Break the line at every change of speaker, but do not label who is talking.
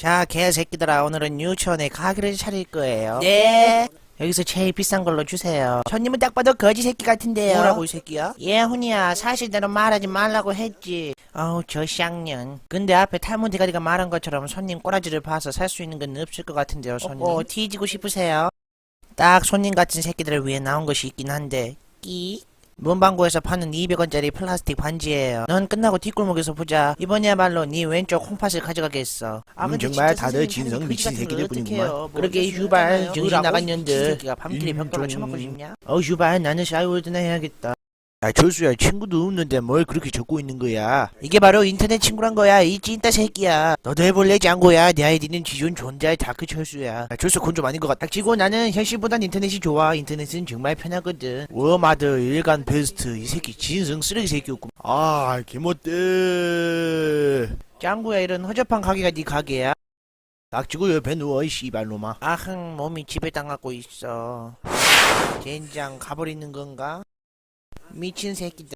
자, 개새끼들아, 오늘은 유치원에 가게를 차릴 거예요.
네.
여기서 제일 비싼 걸로 주세요. 손님은 딱 봐도 거지 새끼 같은데요.
뭐라고 이 새끼야?
예, 훈이야. 사실대로 말하지 말라고 했지. 어우, 저 쌍년. 근데 앞에 탈모 대가리가 말한 것처럼 손님 꼬라지를 봐서 살 수 있는 건 없을 것 같은데요, 손님. 뒤지고 싶으세요? 딱 손님 같은 새끼들을 위해 나온 것이 있긴 한데, 끼? 문방구에서 파는 200원짜리 플라스틱 반지예요. 넌 끝나고 뒷골목에서 보자. 이번이야말로 네 왼쪽 콩팥을 가져가겠어.
근데 정말 다들 진성 미친 새끼들 뿐이구만.
그러게 휴발 정신 나간
미친
년들.
새끼가 밤길에 벽돌로 쳐먹고 싶냐?
휴발 나는 샤이월드나 해야겠다.
야, 철수야, 친구도 없는데 뭘 그렇게 적고 있는 거야?
이게 바로 인터넷 친구란 거야. 이 찐따 새끼야. 너도 해볼래 짱구야. 내 아이디는 기존 존재할 다크철수야.
야, 철수 그건 좀 아닌 것 같다.
닥치고 나는 현실보단 인터넷이 좋아. 인터넷은 정말 편하거든.
워마드 일간 베스트 이 새끼 진성 쓰레기 새끼였구만. 아, 개못돼.
짱구야, 이런 허접한 가게가 네 가게야?
닥치고 옆에 누워 이 씨발놈아.
아흥, 몸이 지배당하고 있어. 젠장 가버리는 건가? 미친 새끼들.